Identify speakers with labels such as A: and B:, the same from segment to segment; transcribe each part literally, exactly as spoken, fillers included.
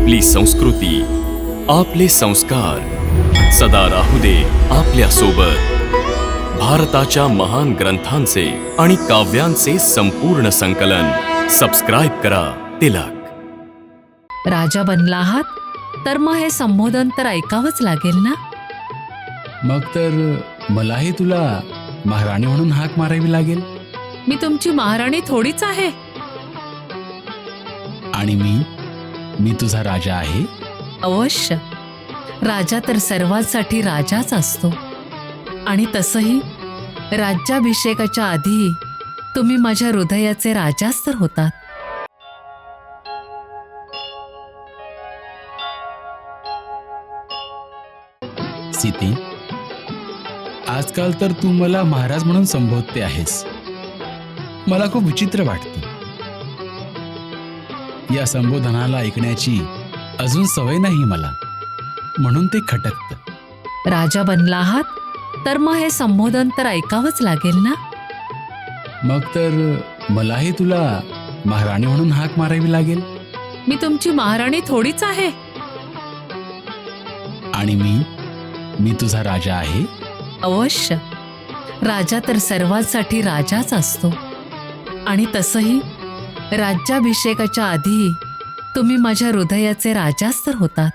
A: आपली संस्कृती, आपले संस्कार सदा राहू दे आपल्या सोबत. भारताच्या महान ग्रंथांचे आणि काव्यांचे संपूर्ण संकलन. सबस्क्राईब करा तिलक.
B: राजा बनला आहात तर मग हे संबोधन तर ऐकावंच लागेल ना.
C: मग तर मलाही तुला महाराणी म्हणून हाक मारावी लागेल.
B: मी तुमची महाराणी थोडीच आहे.
C: आणि मी मी तुझा राजा आहे.
B: अवश्य. राजा तर सर्वांसाठी राजाच असतो. आणि तसंही राज्याभिषेकाच्या आधी तुम्ही माझ्या हृदयाचे राजाच तर होतात.
C: सीते, आजकाल तर तू मला महाराज म्हणून संबोधते आहेस. मला खूप विचित्र वाटतं. या संबोधनाला ऐकण्याची अजून सवय नाही मला, म्हणून ते खटकतं.
B: राजा बनला आहात तर मग हे संबोधन तर ऐकावंच लागेल ना.
C: मग तर मलाही तुला महाराणी म्हणून हाक मारावी लागेल.
B: मी तुमची महाराणी थोडीच आहे.
C: आणि मी मी तुझा राजा आहे.
B: अवश्य. राजा तर सर्वांसाठी राजाच असतो. आणि तसंही राज्याभिषेकाच्या आधी तुम्ही माझ्या हृदयाचे राजाच तर होतात.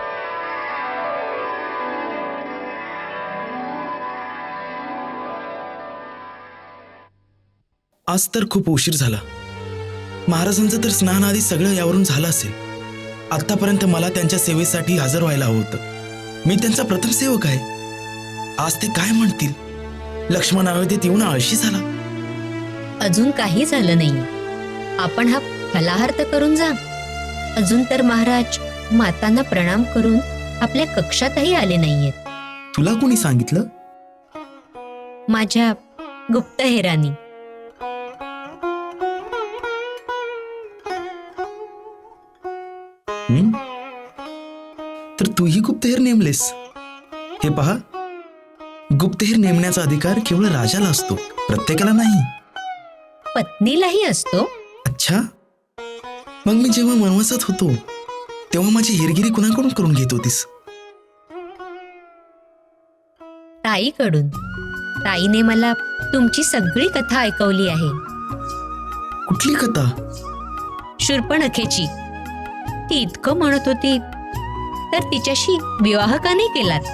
D: आज तर खूप उशीर झाला. महाराजांचं तर स्नान आधी सगळं यावरून झालं असेल. आतापर्यंत मला त्यांच्या सेवेसाठी हजर व्हायला हवं होतं. मी त्यांचा प्रथम सेवक आहे. आज ते काय म्हणतील? लक्ष्मण अयोध्येत येऊन आळशी झाला.
E: अजून काही झालं नाही. आपण हा फलाहार तर करून जा. अजून तर महाराज मातांना प्रणाम करून आपल्या कक्षातही आले नाहीयेत.
D: तुला कोणी सांगितलं?
E: माझ्या गुप्तहेरानी.
D: हं? तर तूही गुप्तहेर नेमलेस? हे पहा, गुप्तहेर नेमण्याचा अधिकार केवळ राजाला असतो, प्रत्येकाला नाही.
E: पत्नीलाही असतो.
D: अच्छा, मग मी जेव्हा वनवासात होतो तेव्हा माझी हेरगिरी कुणाकडून करून घेत होतीस?
E: ताईकडून. ताईने मला तुमची सगळी कथा ऐकवली आहे.
D: कुठली कथा?
E: शूर्पणखेची. ती इतकं म्हणत होती तर तिच्याशी विवाह का नाही केलात?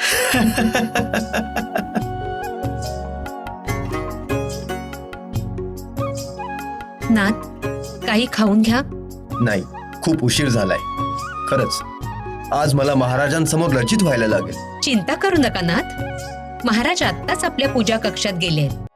E: नाथ, काही खाऊन घ्या.
F: नाही, खूप उशीर झालाय. खरंच आज मला महाराजांसमोर लज्जित व्हायला लागेल.
E: चिंता करू नका नाथ. महाराज आत्ताच आपल्या पूजा कक्षात गेले आहेत.